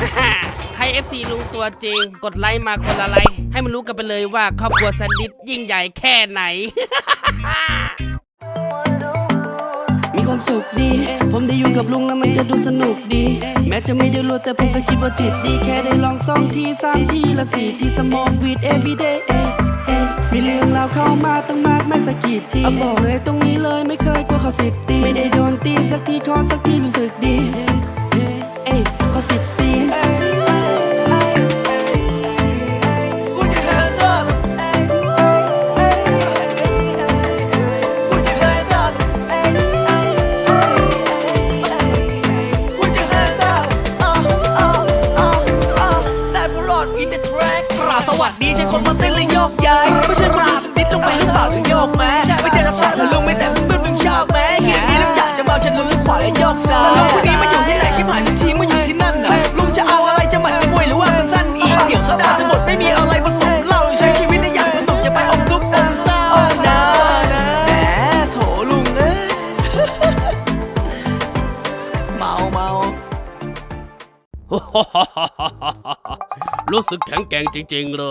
ใคร FC ลุงตัวจริงกดไลค์มาคนละไลค์ให้มันรู้กันไปเลยว่าครอบครัวแซนดิสยิ่งใหญ่แค่ไหน มีความสุขดีผมได้อยู่กับลุงแล้วมันจะดูสนุกดีแม้จะไม่ได้รวยแต่ผมก็คิดว่าจิตดีแค่ได้ลอง2 ที3 ทีละ4 ทีสมองวีด everyday มีเรื่องราวเข้ามาตั้งมากไม่สักกี่ทีบอกเลยตรงนี้เลยไม่เคยกลัวเขาสิทธิ์ตีไม่ได้โดนตีสักทีขอสักทีรู้สึกดีขอสิทธิ์ตีสวัสดีใช่คนมาเต้นและโยกย้ายไม่ใช่คนดูสติดลงไปหรือเปล่าหรือโยกแม้ไม่เจอน้ำสาดลุงไม่แต่มึงชอบแม้เฮียนี่ลุงอยากจะเมาฉันลุงขวาและโยกซ้ายแล้วลุงคนนี้มาอยู่ที่ไหนชิบหายทุกทีมาอยู่ที่นั่นน่ะลุงจะเอาอะไรจะหมัดจะมวยหรือว่ามันสั้นอีกเดี๋ยวโซดาจะหมดไม่มีอะไรผสมเหล้าใช้ชีวิตได้อย่างสนุกอย่าไปอมทุกข์อมเศร้านะแหมโถลุงเอ้ยเมารู้สึกแข็งแกร่งจริงๆเลย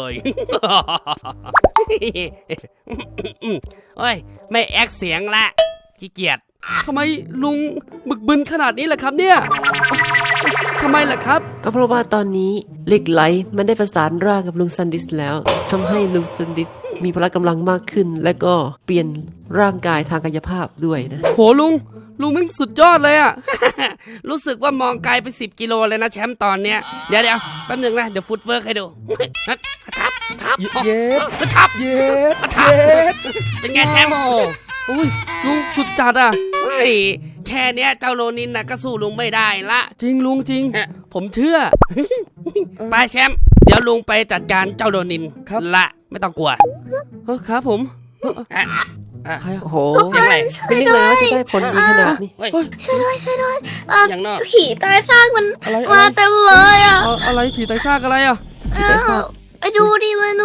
โอ้ยไม่แอคเสียงละขี้เกียจทำไมลุงบึกบึนขนาดนี้ล่ะครับเนี่ยทำไมล่ะครับก็เพราะว่าตอนนี้เหล็กไหลมันได้ประสานร่างกับลุงซันดิสแล้วทำให้ลุงซันดิสมีพละกำลังมากขึ้นและก็เปลี่ยนร่างกายทางกายภาพด้วยนะโหลุงมันสุดยอดเลยอะ รู้สึกว่ามองไกลไป10 กิโลเลยนะแชมป์ตอนเนี้ยเดี๋ยวแป๊บนึงนะเดี๋ยวฟุตเวิร์กให้ดูทับเย็ดเป็นไงแชมป์โอ้ยลุงสุดจัดอ่ะแค่เนี้ยเจ้าโรนินน่ะก็สู้ลุงไม่ได้ละจริงลุงจริงผมเชื่อ ไปแชมป์เดี๋ยวลุงไปจัดการเจ้าโรนินละไม่ต้องกลัวครับผมใครโอ้โหไม่นึกเลยว่าจะได้ผลดีขนาดนี้ช่วยด้วยอย่างนอกผีตายซากมันมาเต็มเลยอ่ะอะไรผีตายซากอะไรอ่ะไปดูดิมาดู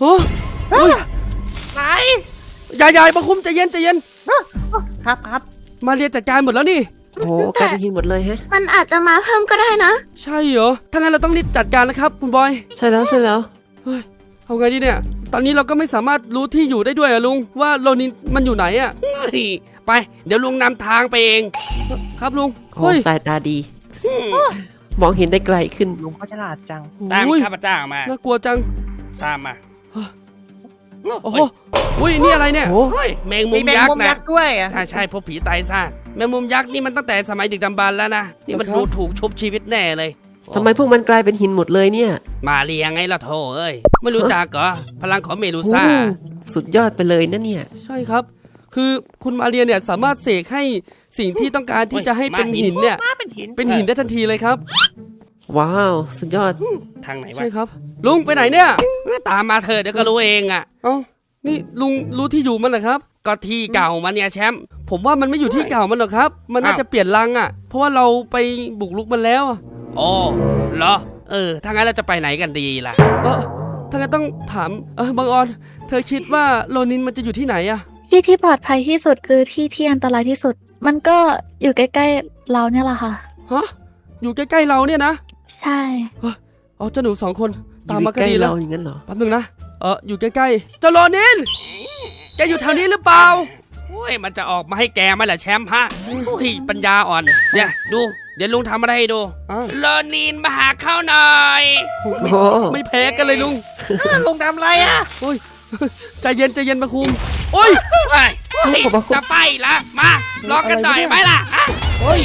ไหนยายมาคุ้มใจเย็นครับมาเรียนจัดการหมดแล้วนี่โอ้กลายเป็นหินหมดเลยฮะมันอาจจะมาเพิ่มก็ได้นะใช่เหรอถ้างั้นเราต้องรีบจัดการแล้วครับคุณบอยใช่แล้วเฮ้ยเอาไงดีเนี่ยตอนนี้เราก็ไม่สามารถรู้ที่อยู่ได้ด้วยอะลุงว่าโรนินมันอยู่ไหนอะไปเดี๋ยวลุงนำทางไปเองครับลุงโอ้สายตาดีมองเห็นได้ไกลขึ้นลุงก็ฉลาดจังตามข้าพเจ้ามาน่ากลัวจังตามมาโอ้โหนี่อะไรเนี่ยแมงมุมยักษ์นะด้วยใช่พวกผีตายซากแมงมุมยักษ์นี่มันตั้งแต่สมัยดึกดำบรรพ์แล้วนะนี่มันดูถูกชุบชีวิตแน่เลยทำไมพวกมันกลายเป็นหินหมดเลยเนี่ยมาเรียงไงล่ะโธ่เอ้ยไม่รู้จักเหรอพลังของเมดูซ่าสุดยอดไปเลยนะเนี่ยใช่ครับคือคุณมาเรียเนี่ยสามารถเสกให้สิ่งที่ต้องการที่จะให้เป็นหินเนี่ยเป็นหินได้ทันทีเลยครับว้าวสุดยอดทางไหนวะใช่ครับลุงไปไหนเนี่ยตามมาเถอะเดี๋ยวก็รู้เองอ่ะเอ้านี่ลุงรู้ที่อยู่มันเหรอครับก็ที่เก่ามันเนี่ยแชมป์ผมว่ามันไม่อยู่ที่เก่ามันหรอกครับมันน่าจะเปลี่ยนรังอ่ะเพราะว่าเราไปบุกรุกมันแล้วอ๋อเหรอถ้างั้นเราจะไปไหนกันดีล่ะถ้างั้นต้องถามบังออนเธอคิดว่าโรนินมันจะอยู่ที่ไหนอะที่ปลอดภัยที่สุดคือที่อันตรายที่สุดมันก็อยู่ใกล้ๆเราเนี่ยแหละค่ะฮะอยู่ใกล้ๆเราเนี่ยนะใช่เจ้าหนู2 คนตามมาก็ดีแล้วอย่างนั้นเหรอแป๊บนึงนะอยู่ใกล้ๆเจ้าโรนินแกอยู่แถวนี้หรือเปล่าโอ้ยมันจะออกมาให้แกไหมล่ะแชมป์ฮะโอ้ยปัญญาอ่อนเนี่ยดูเดี๋ยวลุงทำอะไรให้ดูโรนินมาหาเข้าหน่อยไม่แพ้กันเลยลุงลุงทำอะไรอ่ะโอ้ยใจเย็นมาคุมโอ้ยจะไปละมารอกันหน่อยไหมล่ะโอ้ย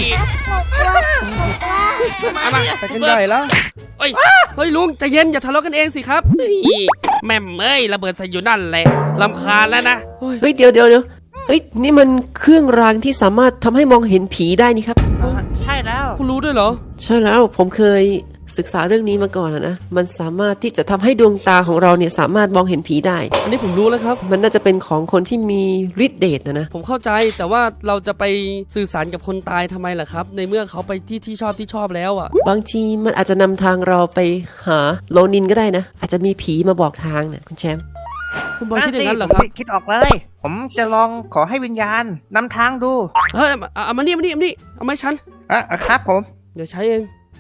มาไปกันใหญ่แล้วเฮ้ยลุงใจเย็นอย่าทะเลาะกันเองสิครับแม่เอ้ยระเบิดใส่อยู่นั่นแหละรำคาญแล้วนะเฮ้ยเดี๋ยวเฮ้ยนี่มันเครื่องรางที่สามารถทำให้มองเห็นผีได้นี่ครับใช่แล้วคุณรู้ด้วยเหรอใช่แล้วผมเคยศึกษาเรื่องนี้มาก่อนนะมันสามารถที่จะทำให้ดวงตาของเราเนี่ยสามารถมองเห็นผีได้อันนี้ผมรู้แล้วครับมันน่าจะเป็นของคนที่มีฤทธิ์เดชนะผมเข้าใจแต่ว่าเราจะไปสื่อสารกับคนตายทำไมล่ะครับในเมื่อเขาไปที่ชอบแล้วอ่ะบางทีมันอาจจะนำทางเราไปหาโรนินก็ได้นะอาจจะมีผีมาบอกทางเนี่ยคุณแชมป์คุณบอยคิดอย่างนั้นเหรอครับคิดออกเลยผมจะลองขอให้วิญญาณนำทางดูเฮ้ยเอามานี่เอาไม้ฉันครับผมเดี๋ยวใช้เอง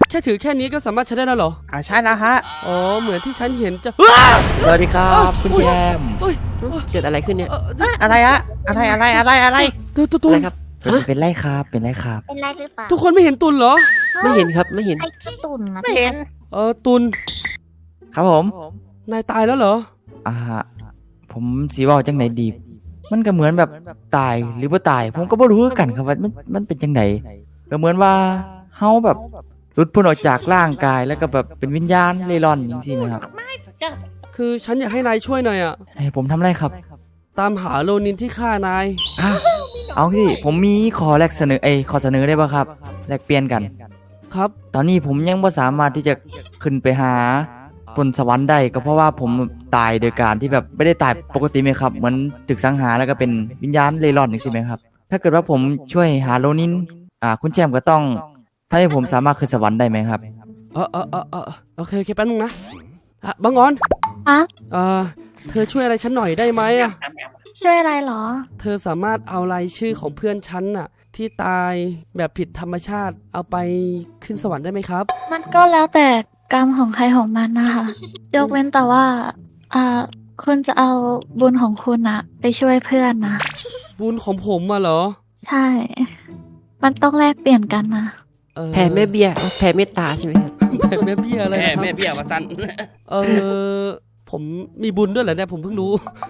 แค่ถือแค่นี้ก็สามารถใช้ได้แล้วเหรอใช่แล้วฮะอ๋อเหมือนที่ฉันเห็นจะสวัสดีครับคุณแจมเฮ้ยเกิดอะไรขึ้นเนี่ยอะไรฮะอะไรตุอะไรนครับเป็นไรครับเป็นไรครับเป็นไรหรือเปล่าทุกคนไม่เห็นตุนเหรอไม่เห็นครับไม่เห็นไอ้แค่ตุ่นนะไม่เห็นตุนครับผมนายตายแล้วเหรอผมสีว่าจังไหนดี มันก็เหมือนแบบตายหรือว่าตาย ผมก็บ่รู้คือกันครับว่ามันเป็นจังไหนก็เหมือนว่าเฮาแบบหลุดพ้นออกจากร่างกายแล้วก็แบบเป็นวิญญาณเร่ร่อนอย่างที่นะครับคือฉันอยากให้นายช่วยหน่อยอะให้ผมทำอะไรครับตามหาโลนินที่ฆ่านายอ่ะเอาสิผมมีขอแลกเสนอขอเสนอได้ป่ะครับแลกเปลี่ยนกันครับตอนนี้ผมยังไม่สามารถที่จะขึ้นไปหาบนสวรรค์ได้ก็เพราะว่าผมตายโดยการที่แบบไม่ได้ตายปกติไหมครับเหมือนตึกสังหารแล้วก็เป็นวิญญาณเร่ร่อนอย่างใช่ไหมครับ ถ้าเกิดว่าผมช่วยหาโลนินคุณแจมก็ต้องถ้าให้ผมสามารถขึ้นสวรรค์ได้ไหมครับโอเคแป๊บนึงนะบังออนอะเธอช่วยอะไรฉันหน่อยได้ไหมอะช่วยอะไรเหรอเธอสามารถเอารายชื่อของเพื่อนฉันน่ะ ที่ตายแบบผิดธรรมชาติเอาไปขึ้นสวรรค์ได้ไหมครับมันก็แล้วแต่กรรมของใครของมันนะคะยกเว้นแต่ว่าคุณจะเอาบุญของคุณอะไปช่วยเพื่อนนะบุญของผมมาเหรอใช่ มันต้องแลกเปลี่ยนกันนะแผ่แม่เบี้ยแผ่เมตตาใช่ไหมครับแผ่แม่เบี้ยอะไรครับแม่เบี้ยวาสันผมมีบุญด้วยเหรอเนี่ยผมเพิ่งรู้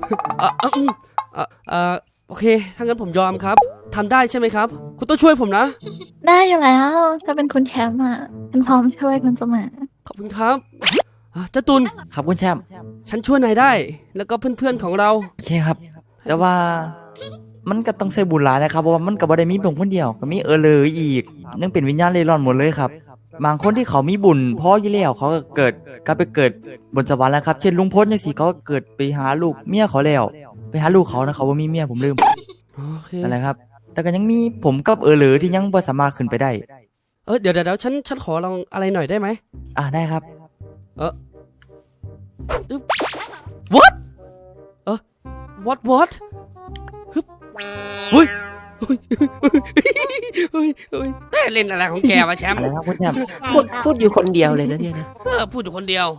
โอเคถ้างั้นผมยอมครับทำได้ใช่ไหมครับ คุณต้องช่วยผมนะได้อยู่แล้วถ้าเป็นคุณแชมป์อะฉันพร้อมช่วยคุณเสมอขอบคุณครับเจ้าตุลครับคุณแชมป์ฉันช่วยนายได้ แล้วก็เพื่อนๆของเราโอเคครับ แต่ว่ามันก็ต้องใส่บุญหลายนะครับเพราะว่ามันก็บ่ได้มีเพียงคนเดียวก็มีเลยอีกยังเป็นวิญญาณเร่ร่อนหมดเลยครับบางคนที่เขามีบุญพออยู่แล้วเขาก็เกิดบนสวรรค์แล้วครับเช่นลุงพลจังซี่เขาก็เกิดไปหาลูกเมียเขาแล้วไปหาลูกเขานะเขาว่ามีเมียผมลืมโอเคนั่นแหละครับ แต่ก็ยังมีผมกับเลยที่ยังบ่สามารถขึ้นไปได้เดี๋ยวฉันขอลองอะไรหน่อยได้ไหมได้ครับ what what ฮึบเฮ้ยแต่เล่นอะไรของแกวะแชมป์อะไรครับคุณแชมป์พูดอยู่คนเดียวเลยนะเนี่ยนะพูดอยู่คนเดียว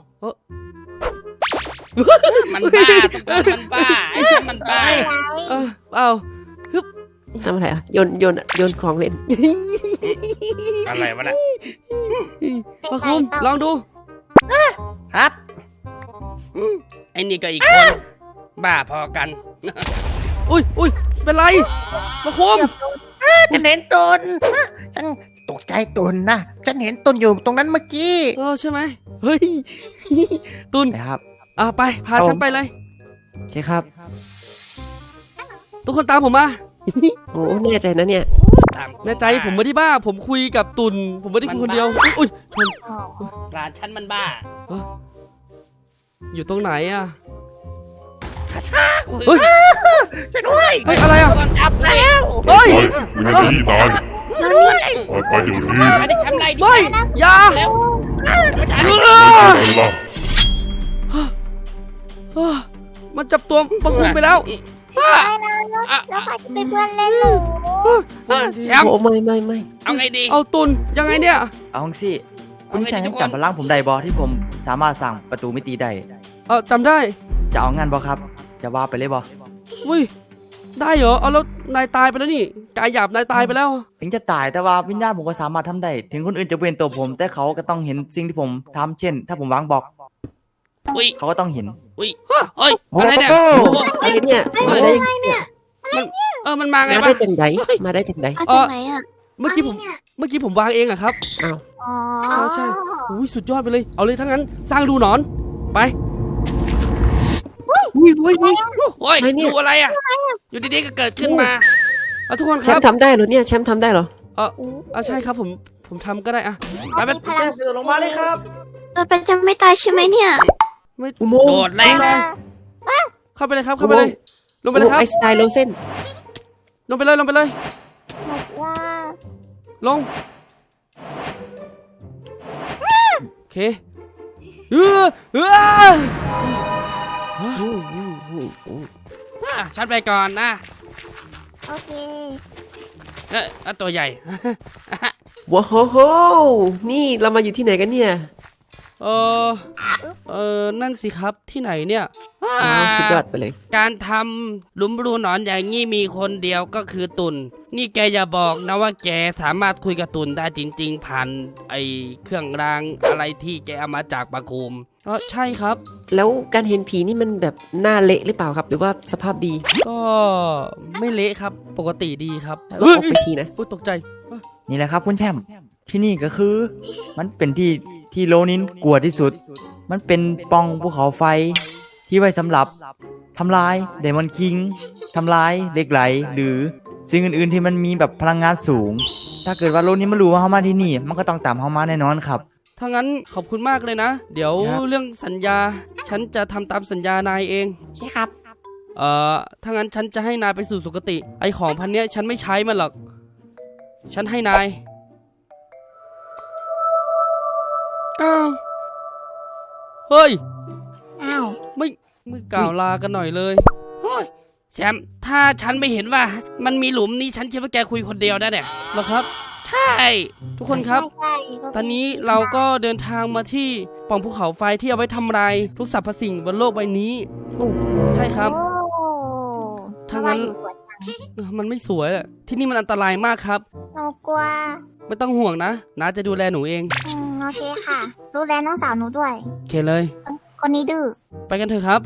มันบ้าทุกคนมันบ้าไอ้แชมป์มันบ้าเอาทำอะไรอ่ะโยนของเล่นอะไรวะน่ะมาคุมลองดูครับไอ้นี่ก็อีกคนบ้าพอกันอุ้ยเป็นไรมาคุมฉันเห็นตนฉันตกใจตนนะฉันเห็นตนอยู่ตรงนั้นเมื่อกี้ใช่ไหมเฮ้ยตุนนะครับไปพาฉันไปเลยโอเคครับทุกคนตามผมมาโอ้แน่ใจนะเนี่ยตามแน่ใจผมไม่ได้บ้า ผมคุยกับตุนผมไม่ได้คุยคนเดียวอุ้ยชนหลานฉันมันบ้าอยู่ตรงไหนอะเฮ้ยช่วยด้วยเฮ้ยอะไรอะจับแล้วเฮ้ยไปอยู่ในที่ตายไปเดี๋ยวนี้ไม่ได้แชมป์ไรดิเฮ้ยอย่าแล้วไม่ใช่อะไรล่ะมันจับตัวมาคุมไปแล้วแล้วใครจะเป็นเพื่อนเล่นหนูแชมป์โอ้ไม่เอาไงดีเอาตุนยังไงเนี่ยเอาจังสิคุณเอาไงแชมป์ทุยักงคนจำพลังผมได้บอที่ผมสามารถสั่งประตูมิติได้จำได้จะเอางั้นบอครับ จะว่าไปเลยบออุ้ยได้เหรอเอาแล้วนายตายไปแล้วนี่กายหยาบนายตายไปแล้วถึงจะตายแต่ว่าวิญญาณผมก็สามารถทำได้ ถึงคนอื่นจะเป็นตัวผม แต่เขาก็ต้องเห็นสิ่งที่ผมทำเช่น ถ้าผมวางบล็อกอุ้ยเขาก็ต้องเห็นอุ้ยเฮ้ยอะไรเนี่ยอะไรเนี่ยมาได้มันมาไงมาวะได้จังไดมาได้จังไดเอาจากไหนอ่ะเมื่อกี้ผมวางเองอะครับอ๋อใช่อุ้ยสุดยอดไปเลยเอาเลยทั้งนั้นสร้างรูหนอนไปอุ้ยโอ้ยอะไรเนี่ยดูอะไรอ่ะอยู่ดีๆก็เกิดขึ้นมาทุกคนคแชรัมบป์ทำได้เหรอเนี่ยแชมป์ทำได้เหรอใช่ครับผมทำก็ได้อะไปมีพลังลงมาเลยครับเราเป็นจะไม่ตายใช่ไหมเนี่ยไม่อุโมงโดค์ดแรงเข้าไปเลยครับเข้าไปเลยลงไปเลยครับไอสไตล์โลเซนลงไปเลยบอกว่าลงโอเคเออฉันไปก่อนนะโอเคแล้วตัวใหญ่ว้าวโหนี่เรามาอยู่ที่ไหนกันเนี่ยนั่นสิครับที่ไหนเนี่ยอ้าวสุดยอดไปเลยการทำหลุมรูหนอนอย่างนี้มีคนเดียวก็คือตุนนี่แกอย่าบอกนะว่าแกสามารถคุยกับตุนได้จริงๆผ่านไอเครื่องรางอะไรที่แกเอามาจากปะคุมใช่ครับแล้วการเห็นผีนี่มันแบบหน้าเละหรือเปล่าครับ หรือว่าสภาพดีก็ไม่เละครับ ปกติดีครับแล้วออกไปทีนะอุ๊ยตกใจนี่แหละครับคุณแชมป์ที่นี่ก็คือ มันเป็นที่โลนินกลัวที่สุด มันเป็นปล่องภูเขาไฟ ที่ไว้สำหรับทำลายเดมอนคิงทำลายเหล็กไหล หรือสิ่งอื่นๆที่มันมีแบบพลังงานสูง ถ้าเกิดว่าโลกนี้มันรู้ว่าเขามาที่นี่ มันก็ต้องตามเขามาแน่นอนครับถ้างั้นขอบคุณมากเลยนะ เดี๋ยวครับเรื่องสัญญา ฉันจะทำตามสัญญานายเองใช่ครับถ้างั้นฉันจะให้นายไปสู่สุคติ ไอของพันเนี้ยฉันไม่ใช้มันหรอก ฉันให้นาย อ้าว เฮ้ยอ้าวไม่กล่าวลากันหน่อยเลยโอ้ยแชมป์ถ้าฉันไม่เห็นว่ามันมีหลุมนี่ฉันคิดว่าแกคุยคนเดียวได้เนี่ยเหรอครับใช่ทุกคนครับใช่ตอนนี้เราก็เดินทางมาที่ปล่องภูเขาไฟที่เอาไว้ทำลายทุกสรรพสิ่งบนโลกใบนี้ ใช่ครับโอ้ถ้างั้นอยู่สวนมันไม่สวยอะที่นี่มันอันตรายมากครับหนูกลัวไม่ต้องห่วงนะน้าจะดูแลหนูเองโอเคค่ะ ดูแลน้องสาวหนูด้วยโอเคเลยคนนี้ดื้อไปกันเถอะครับ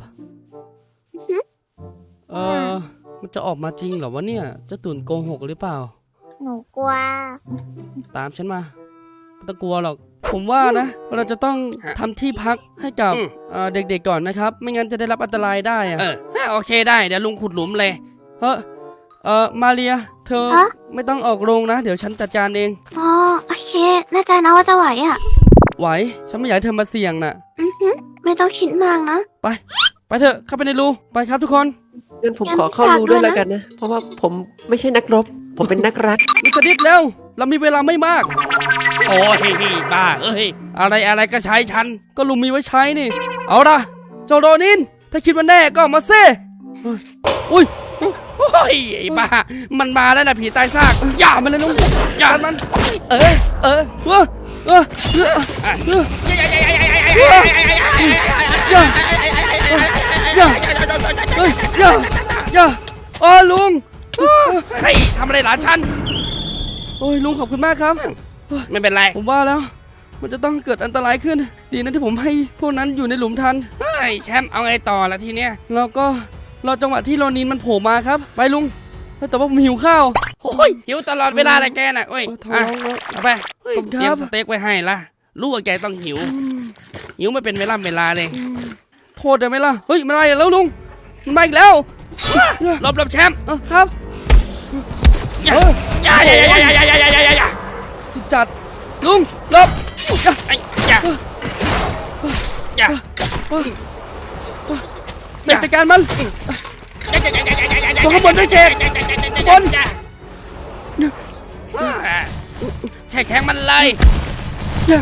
มันจะออกมาจริงเหรอวะเนี่ยเจ้าตุ่นโกหกหรือเปล่าหนูกลัวตามฉันมาไม่ต้องกลัวหรอก ผมว่านะเราจะต้องทำที่พักให้กับเด็กๆก่อนนะครับ ไม่งั้นจะได้รับอันตรายได้อะโอเคได้เดี๋ยวลุงขุดหลุมเลยมาเรีย เธอฮะไม่ต้องออกโรงนะ เดี๋ยวฉันจัดการเองอ๋อ โอเค แน่ใจนะว่าจะไหวอ่ะไหว ฉันไม่อยากให้เธอมาเสี่ยงน่ะไม่ต้องคิดมากนะไปเถอะเข้าไปในรูไปครับทุกคนงั้นผมงั้นขอเข้าฝากรูด้ด้ววย ยนะแล้วกันนะ เพราะว่าผมไม่ใช่นักรบ ผมเป็นนักรักมิสดิสเร็ว เรามีเวลาไม่มากโอ้ยบ้าเอ้ยอะไรก็ใช้ฉัน ก็ลุงมีไว้ใช้นี่ เอาละเจ้าโรนิน ถ้าคิดว่าแน่ก็มาเซ่อุ้ยโอ้ยไอ้บ้ามันมาแล้วนะผีตายซากอย่ามันเลยลุงอย่ามัน เออเออเออเออเอออย่าอย่าเฮ้ยอย่าอ๋อลุงเฮ้ยทำอะไรหลานฉันโอ้ยลุงขอบคุณมากครับไม่เป็นไรผมว่าแล้ว มันจะต้องเกิดอันตรายขึ้น ดีนะที่ผมให้พวกนั้นอยู่ในหลุมทันเฮ้ยแชมป์เอาไงต่อละทีเนี้ยแล้วก็รอจังหวะที่โรนินมันโผล่มาครับ ไปลุง แต่ว่าผมหิวข้าวโอ้ยหิวตลอดเวลาเลยแกน่ะโอ้ยท้องอ่ะแล้วเอาไปขอบคุณเตรียครัมบสเต็กไว้ให้ละรู้ว่าแกต้องหิว หิวไม่เป็นเวลาเลยโทษได้ไหมล่ะ เฮ้ยมันมาอีกแล้วลุง มันมาอีกแล้วหลบแชมป์ครับอย่าอย่าสุดจัด ลุงหลบอย่าเสร็จจัดการมัน ตัวข้างบนด้วยเสกบนแช่แข็งมันเลยอย่า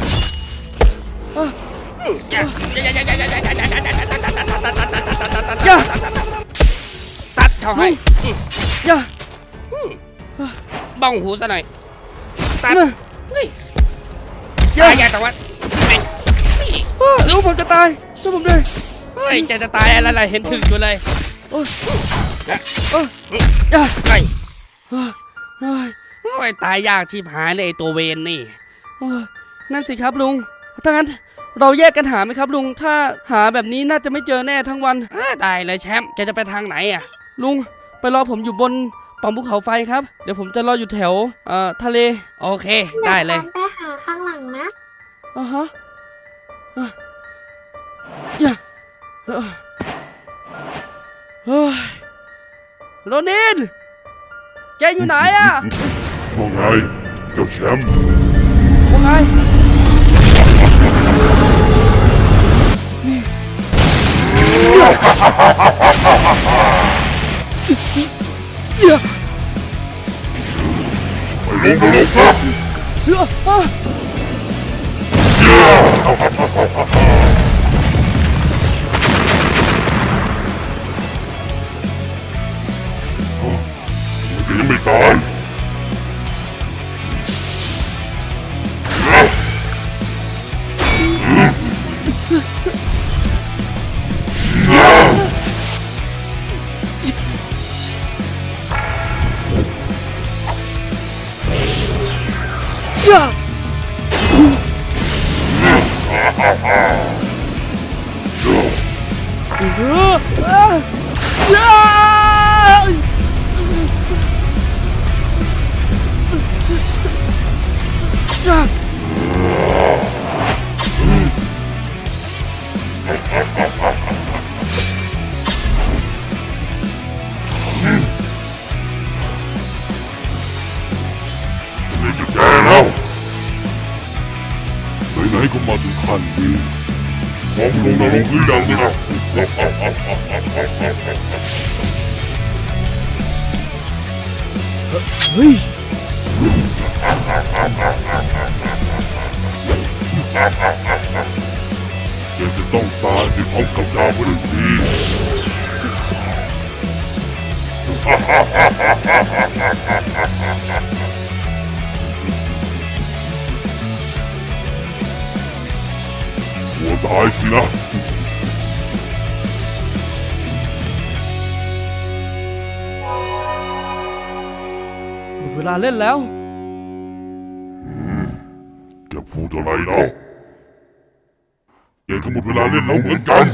อย่าตัดเขาให้อย่าบ้องหูซะหน่อยตัดอย่าตายอย่าแต่ว่าลุงผมจะตายช่วยผมด้วยเฮ้ยจะตายอะไรเห็นถึงอยู่เลยอย่าเฮ้ยเฮ้ยโอ้ยตายยากชีพหายเลยไอ้ตัวเวนนี่โอ้ยนั่นสิครับลุง ถ้างั้นเราแยกกันหาไหมครับลุง ถ้าหาแบบนี้น่าจะไม่เจอแน่ทั้งวันได้เลยแชมป์แกจะไปทางไหนอ่ะลุงไปรอผมอยู่บนปล่องภูเขาไฟครับ เดี๋ยวผมจะรออยู่แถวทะเลโอเคได้เลยไปหาข้างหลังนะอ่าฮะอย่าเฮ้ยโรนิน แกอยู่ไหนอะว่าไงเจ้าแชมป์ว่าไงอย่าไปลงครับ จะยังไม่ตายนี่จะแก้แล้วไหนๆก็มาถึงขั้นนี้พร้อมลงนรกหรือยังนะเฮ้ยแกจะต้องตายไปพร้อมกับดาวพฤหัสนี้หัวตายสินะหมดเวลาเล่นแล้วแกพูดอะไรเนาะแกก็หมดเวลาเล่นแล้วเหมือนกัน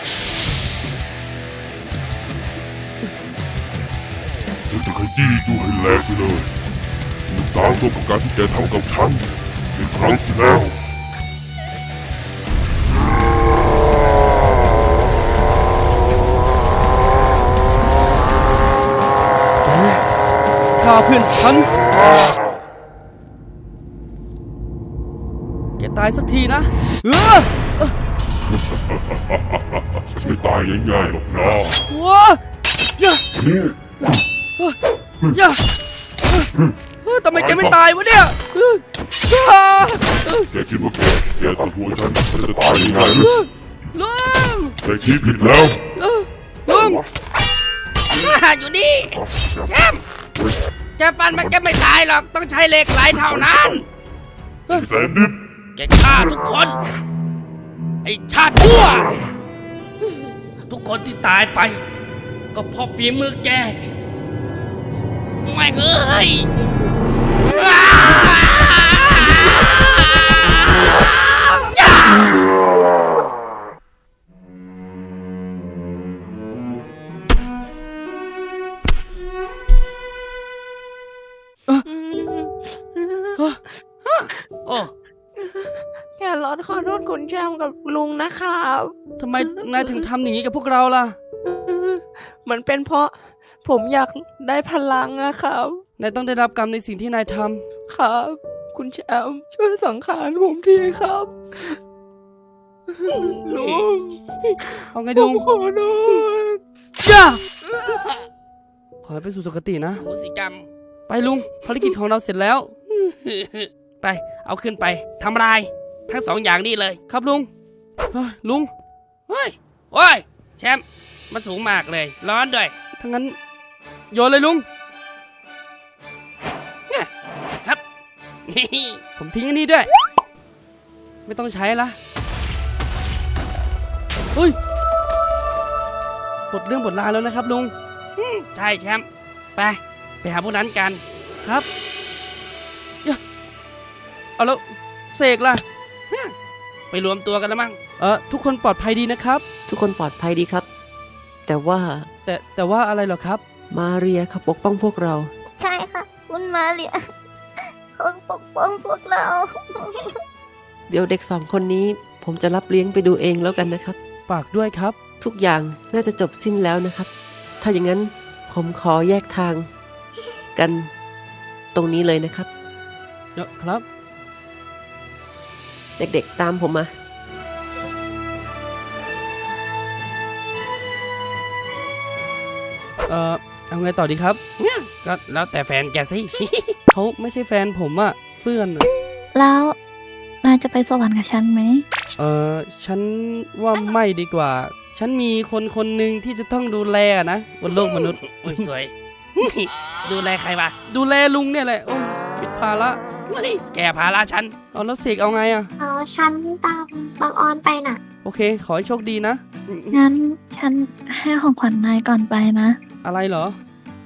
ฉันจะขยี้อยู่ให้แหลกไปเลยมันสาสมกับการที่แกทำกับฉันเป็นครั้งที่แล้วฆ่าเพื่อนฉัน แกตายสักทีนะไม่ตายง่ายๆหรอกนะว้าอย่าอย่าทำไมแกไม่ตายวะเนี่ยแกคิดว่าแกตัดหัวฉันจะตายง่ายๆหรือลุงแกคิดผิดแล้วลุงอยู่นี่แชมป์แกฟันมันจะไม่ตายหรอกต้องใช้เหล็กไหลเท่านั้นแสนดิบแกฆ่าทุกคน ไอชาติชั่ว ทุกคนที่ตายไป ก็เพราะฝีมือแกไม่งเอ้ย โอ้แครอทขอโทษคุณแชมป์กับลุงนะครับทำไมนายถึงทำอย่างนี้กับพวกเราล่ะมันเป็นเพราะผมอยากได้พลังนะครับนายต้องได้รับกรรมในสิ่งที่นายทครับ คุณแชมป์ช่วยสังขารผมทีครับ ลุงำเอาไงผลุมงขอโทษย่าขอให้ไปสู่สุคตินะโหสิกรรมไปลุง ภารกิจของเราเสร็จแล้วไป เอาขึ้นไปทำลายทั้งสองอย่างนี่เลยครับลุงเฮ้ยลุงเฮ้ย โอ้ย แชมป์ มันสูงมากเลย ร้อนด้วยถ้างั้นโยนเลยลุงครับผมทิ้งอันนี้ด้วย ไม่ต้องใช้ละเฮ้ยหมดเรื่องหมดราวแล้วนะครับลุงใช่แชมป์ ไปหาพวกนั้นกันครับเอาแล้วเสกล่ะไปรวมตัวกันแล้วมั้งทุกคนปลอดภัยดีนะครับทุกคนปลอดภัยดีครับ แต่ว่าแต่ว่าอะไรเหรอครับมาเรียเขาปกป้องพวกเราใช่ค่ะ คุณมาเรียเขาปกป้องพวกเราเดี๋ยวเด็ก2 คนนี้ ผมจะรับเลี้ยงไปดูเองแล้วกันนะครับฝากด้วยครับทุกอย่างน่าจะจบสิ้นแล้วนะครับ ถ้าอย่างนั้นผมขอแยกทางกันตรงนี้เลยนะครับครับเด็กๆตามผมมาเอาไงต่อดีครับก็แล้วแต่แฟนแกสิเขาไม่ใช่แฟนผมอะเพื่อนอะแล้วนายจะไปสวรรค์กับฉันไหมฉันว่าไม่ดีกว่า ฉันมีคนหนึ่งที่จะต้องดูแลอะนะบนโลกมนุษย์โอ้ยสวย ดูแลใครวะดูแลลุงเนี่ยแหละโอ้ยผิดภาระเฮ้ยแกภาระฉันเอาแล้วเสกเอาไงอะเอาฉันตามบางออนไปน่ะโอเค ขอให้โชคดีนะงั้นฉันให้ของขวัญนายก่อนไปนะอะไรเหรอ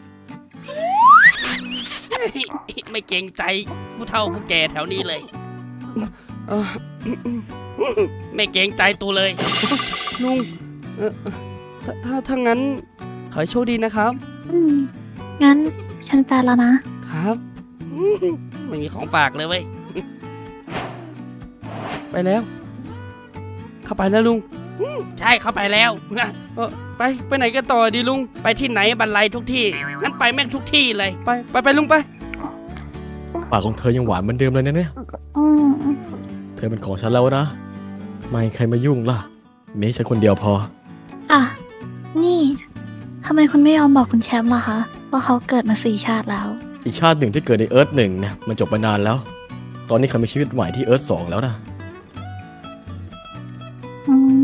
ไม่เกรงใจผู้เฒ่าผู้แก่แถวนี้เลยเออไม่เกรงใจตูเลยลุงถ้างั้นขอให้โชคดีนะครับงั้นฉันไปแล้วนะครับไม่มีของฝากเลยเว้ยไปแล้ว เข้าไปแล้วลุงใช่เข้าไปแล้วไปไหนกันต่อดีลุงไปที่ไหนบรรลัยทุกที่ งั้นไปแม่งทุกที่เลยไปลุงไปปากของเธอยังหวานเหมือนเดิมเลยนะเนี่ยอืมเธอเป็นของฉันแล้วนะ ไม่ใครมายุ่งล่ะมีให้ฉันคนเดียวพออ่ะ นี่ทำไมคุณไม่ยอมบอกคุณแชมป์ล่ะคะ ว่าเขาเกิดมา4 ชาติแล้วอีกชาติหนึ่งที่เกิดในเอิร์ธหนึ่งเนี่ยมันจบไปนานแล้ว ตอนนี้เขามีชีวิตใหม่ที่เอิร์ธ2แล้วนะอืม